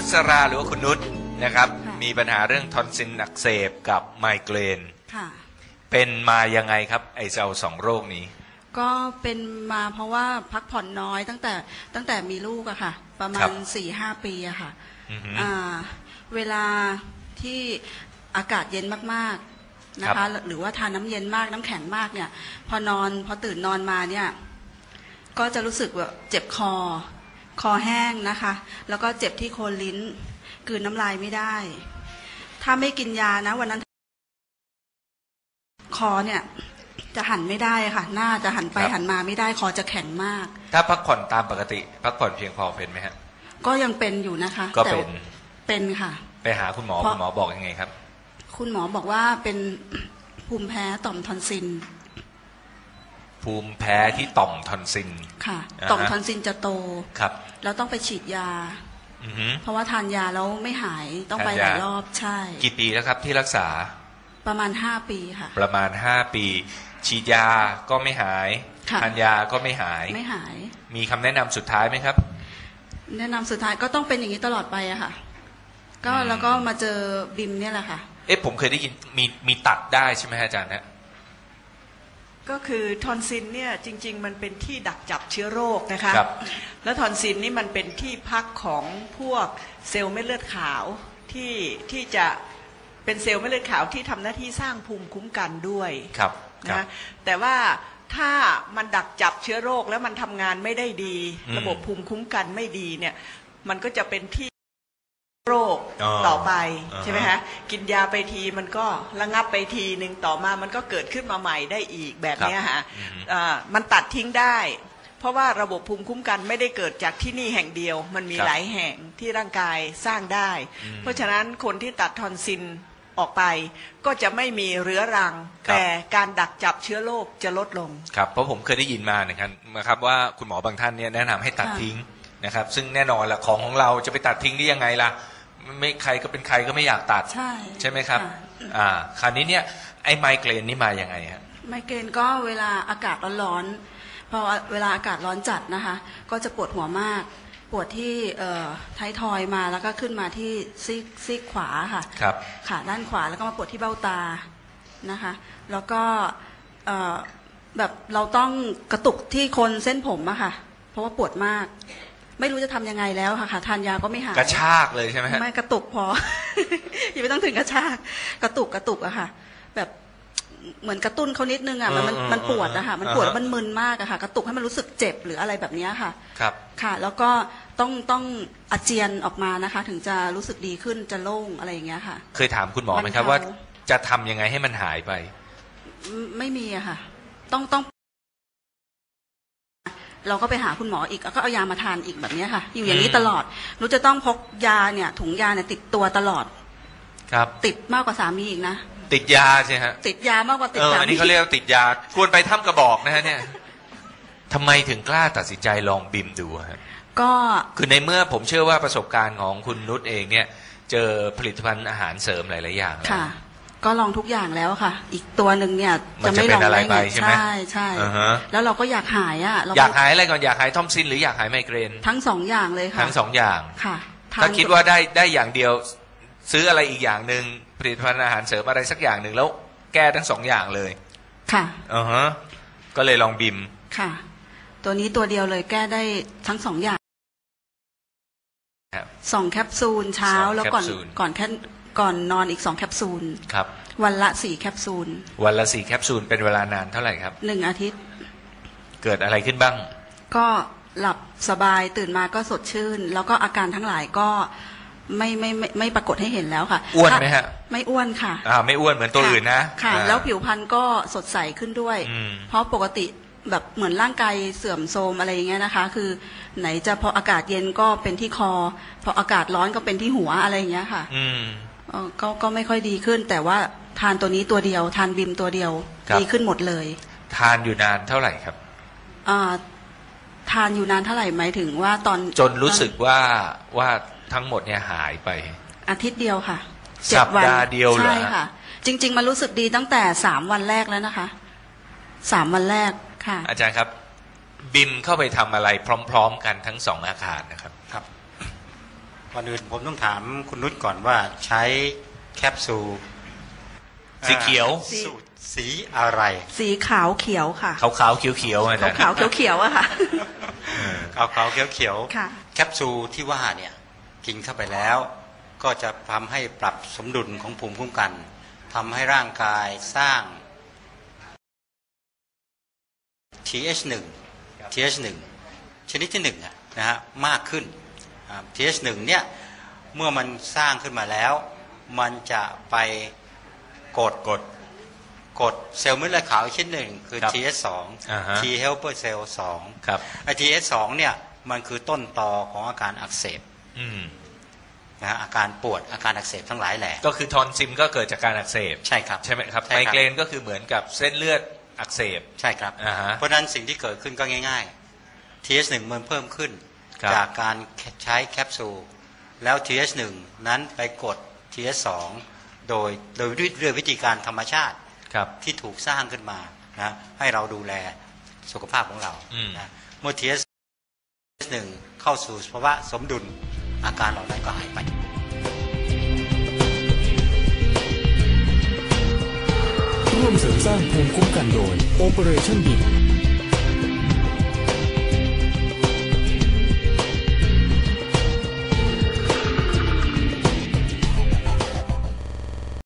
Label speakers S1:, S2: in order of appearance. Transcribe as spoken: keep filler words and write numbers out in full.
S1: นุสราหรือว่าคุณนุชนะครับมีปัญหาเรื่องทอนซิลอักเสบกับไมเกรนเป็นมายังไงครับไอเจ้าสองโรคนี้
S2: ก็เป็นมาเพราะว่าพักผ่อนน้อยตั้งแต่ตั้งแต่มีลูกอะค่ะประมาณสี่ห้าปีอะค่ะเวลาที่อากาศเย็นมากๆนะคะหรือว่าทานน้ำเย็นมากน้ำแข็งมากเนี่ยพอนอนพอตื่นนอนมาเนี่ยก็จะรู้สึกแบบเจ็บคอคอแห้งนะคะแล้วก็เจ็บที่โคนลิ้นกลืนน้ำลายไม่ได้ถ้าไม่กินยานะวันนั้นคอเนี่ยจะหันไม่ได้ค่ะหน้าจะหันไปหันมาไม่ได้คอจะแข็งมาก
S1: ถ้าพักผ่อนตามปกติพักผ่อนเพียงพอเป็นไหมฮะ
S2: ก็ยังเป็นอยู่นะคะ
S1: ก็เป็น
S2: เป็นค่ะ
S1: ไปหาคุณหมอคุณหมอบอกยังไงครับ
S2: คุณหมอบอกว่าเป็นภูมิแพ้ต่อมทอนซิล
S1: ภูมิแพ้ที่ต่อมทอนซิล
S2: ค่ะต่อมทอนซิลจะโต
S1: ครับ
S2: แล้วต้องไปฉีดยาเพราะว่าทานยาแล้วไม่หายต้องไปหลายรอบใช่
S1: กี่ปีแล้วครับที่รักษา
S2: ประมาณห้าปีค่ะ
S1: ประมาณห้าปีฉีดยาก็ไม่หายทานยาก็ไม่หาย
S2: ไม่หาย
S1: มีคำแนะนำสุดท้ายไหมครับ
S2: แนะนำสุดท้ายก็ต้องเป็นอย่างนี้ตลอดไปอะค่ะก็แล้วก็มาเจอบิมเนี่ยแหละค่ะ
S1: เอ๊ะผมเคยได้ยินมีมีตัดได้ใช่ไหมอาจารย์นะ
S3: ก็คือทอนซิลเนี่ยจริงๆมันเป็นที่ดักจับเชื้อโรคนะคะแล้วทอนซิลนี่มันเป็นที่พักของพวกเซลล์เม็ดเลือดขาวที่ที่จะเป็นเซลล์เม็ดเลือดขาวที่ทำหน้าที่สร้างภูมิคุ้มกันด้วยนะแต่ว่าถ้ามันดักจับเชื้อโรคแล้วมันทำงานไม่ได้ดีระบบภูมิคุ้มกันไม่ดีเนี่ยมันก็จะเป็นที่โรคต่อไปใช่ไหมคะกินยาไปทีมันก็ระงับไปทีหนึ่งต่อมามันก็เกิดขึ้นมาใหม่ได้อีกแบบนี้ฮะมันตัดทิ้งได้เพราะว่าระบบภูมิคุ้มกันไม่ได้เกิดจากที่นี่แห่งเดียวมันมีหลายแห่งที่ร่างกายสร้างได้เพราะฉะนั้นคนที่ตัดทอนซิลออกไปก็จะไม่มีเรื้อรังแต่การดักจับเชื้อโรคจะลดลง
S1: ครับเพราะผมเคยได้ยินมานะครับนะครับว่าคุณหมอบางท่านเนี่ยแนะนำให้ตัดทิ้งนะครับซึ่งแน่นอนละของของเราจะไปตัดทิ้งได้ยังไงล่ะไม่ใครก็เป็นใครก็ไม่อยากตัดใช่ใช่ไหมครับอ่าคราวนี้เนี่ยไอ้ไมเกรนนี่มายังไงฮะ
S2: ไมเกรนก็เวลาอากาศร้อนๆพอเวลาอากาศร้อนจัดนะคะก็จะปวดหัวมากปวดที่เอ่อท้ายทอยมาแล้วก็ขึ้นมาที่ซีกซีกขวาค่ะ
S1: ครับ
S2: ขาด้านขวาแล้วก็มาปวดที่เบ้าตานะคะแล้วก็เอ่อแบบเราต้องกระตุกที่โคนเส้นผมอะค่ะเพราะว่าปวดมากไม่รู้จะทำยังไงแล้วค่ะทานยาก็ไม่หาย
S1: กระชากเลยใช่ไหมฮะ
S2: ไม่กระตุกพอ อย่าไม่ต้องถึงกระชากกระตุกกระตุกอะค่ะแบบเหมือนกระตุ้นเขานิดนึงอะมันมันมันปวดอะค่ะมันปวดมันมึนมากอะค่ะกระตุกให้มันรู้สึกเจ็บหรืออะไรแบบนี้ค่ะ
S1: ครับ
S2: ค่ะแล้วก็ต้องต้องอาเจียนออกมานะคะถึงจะรู้สึกดีขึ้นจะโล่งอะไรอย่างเงี้ยค่ะ
S1: เคยถามคุณหมอไหมครับว่าจะทำยังไงให้มันหายไป
S2: ไม่มีอะค่ะต้องต้องเราก็ไปหาคุณหมออีกแล้วก็เอายามาทานอีกแบบนี้ค่ะอยู่อย่างนี้ตลอดรู้จะต้องพกยาเนี่ยถุงยาเนี่ยติดตัวตลอด
S1: ครับ
S2: ติดมากกว่าสามีอีกนะ
S1: ติดยาใช่ฮะ
S2: ติดยามากกว่าติด
S1: สามีอันนี้เขาเรียกติดยาควรไปถ้ำกระบอกนะฮะเนี่ยทำไมถึงกล้าตัดสินใจลองบิมดูฮะ
S2: ก็
S1: คือในเมื่อผมเชื่อว่าประสบการณ์ของคุณนุชเองเนี่ยเจอผลิตภัณฑ์อาหารเสริมหลายๆอย่าง
S2: ค่ะก็ลองทุกอย่างแล้วค่ะอีกตัวหนึ่งเนี่ยจะไม่ลอง
S1: ได้ไงใช่ไหมใช่
S2: ใช่แล้วเราก็อยากหายอ่ะ
S1: อยากหายอะไรก่อนอยากหายทอมซินหรืออยากหายไมเกรน
S2: ทั้งสองอย่างเลยค่ะ
S1: ทั้งสองอย่าง
S2: ค่ะ
S1: ถ้าคิดว่าได้ได้อย่างเดียวซื้ออะไรอีกอย่างหนึ่งผลิตภัณฑ์อาหารเสริมอะไรสักอย่างหนึ่งแล้วแก้ทั้งสองอย่างเลย
S2: ค่ะ
S1: อือฮะก็เลยลองบิม
S2: ค่ะตัวนี้ตัวเดียวเลยแก้ได้ทั้งสองอย่างสองแคปซูลเช้าแล้วก่อนก่อนแค่ก่อนนอนอีกสองแคปซูล
S1: ครับ
S2: วันละสี่แคปซูล
S1: วันละสี่แคปซูลเป็นเวลานานเท่าไหร่ครับ
S2: หนึ่งอาทิตย์
S1: เกิดอะไรขึ้นบ้าง
S2: ก็หลับสบายตื่นมาก็สดชื่นแล้วก็อาการทั้งหลายก็ไม่ไม่ไม่ไม่ปรากฏให้เห็นแล้วค่ะ
S1: อ้วนไหมฮะ
S2: ไม่อ้วนค่ะ
S1: อ่าไม่อ้วนเหมือนตัวอื่นนะ
S2: ค่ะแล้วผิวพรรณก็สดใสขึ้นด้วยเพราะปกติแบบเหมือนร่างกายเสื่อมโทรมอะไรอย่างเงี้ยนะคะคือไหนจะพออากาศเย็นก็เป็นที่คอพออากาศร้อนก็เป็นที่หัวอะไรอย่างเงี้ยค่ะ
S1: อืม
S2: ก็ก็ไม่ค่อยดีขึ้นแต่ว่าทานตัวนี้ตัวเดียวทานบิมตัวเดียวดีขึ้นหมดเลย
S1: ทานอยู่นานเท่าไหร่ครับ
S2: อ่าทานอยู่นานเท่าไหร่หมายถึงว่าตอน
S1: จนรู้สึกว่าว่าทั้งหมดเนี่ยหายไป
S2: อาทิตย์เดียวค่ะ
S1: สัปดาห์เดียวเหรอ
S2: ใช่ค่ะจริงๆมันรู้สึกดีตั้งแต่สามวันแรกแล้วนะคะสามวันแรกค่ะ
S1: อาจารย์ครับบิมเข้าไปทำอะไรพร้อมๆกันทั้งสองอาการนะครับครับ
S4: ก่อนอื่นผมต้องถามคุณนุชก่อนว่าใช้แคปซูล
S1: สีเขียว
S4: สูตรสีอะไร
S2: สีขาวเขียวค่ะ
S1: ขาวขาวเขียวเขียวอาจารย์
S2: ขาวเขียวๆอะค่ะ
S4: ขาวขาวเขียวเขียว
S2: ค่ะ
S4: แคปซูลที่ว่าเนี่ยกินเข้าไปแล้วก็จะทำให้ปรับสมดุลของภูมิคุ้มกันทำให้ร่างกายสร้าง ที เอช หนึ่ง ที เอช หนึ่ง ชนิดที่หนึ่งนะฮะมากขึ้น ที เอช หนึ่ง เนี่ยเมื่อมันสร้างขึ้นมาแล้วมันจะไปกดกดกดเซลล์เม็ดเลือดขาวชนิดหนึ่งคือ ที เอช สอง T helper cell สอง
S1: ครับ
S4: ไอ้ ที เอช สอง เนี่ยมันคือต้นตอของอาการอักเสบ
S1: อืม
S4: นะฮะอาการปวดอาการอักเสบทั้งหลายแหละ
S1: ก็คือทอนซิมก็เกิดจากการอักเสบ
S4: ใช่ครับ
S1: ใช่ไหมครับ
S4: ใช่
S1: ไม
S4: ครับ
S1: เกรนก็คือเหมือนกับเส้นเลือดอักเสบ
S4: ใช่ครับ
S1: อ่าฮะ
S4: เพราะฉะนั้นสิ่งที่เกิดขึ้นก็ง่ายๆ ที เอช หนึ่ง มันเพิ่มขึ้น
S1: ครับ
S4: จากการใช้แคปซูลแล้ว ที เอช หนึ่ง นั้นไปกด ที เอช สอง โดยโดยด้วยวิธีการธรรมชาติ
S1: ครับ
S4: ที่ถูกสร้างขึ้นมานะให้เราดูแลสุขภาพของเรา
S1: อืม
S4: นะเมื่อ ที เอช หนึ่ง เข้าสู่ภาวะสมดุลอาการเหล่านั้นก็หายไป
S5: ร่วมเสริมสร้างภูมิคุ้มกันโดย Operation B I M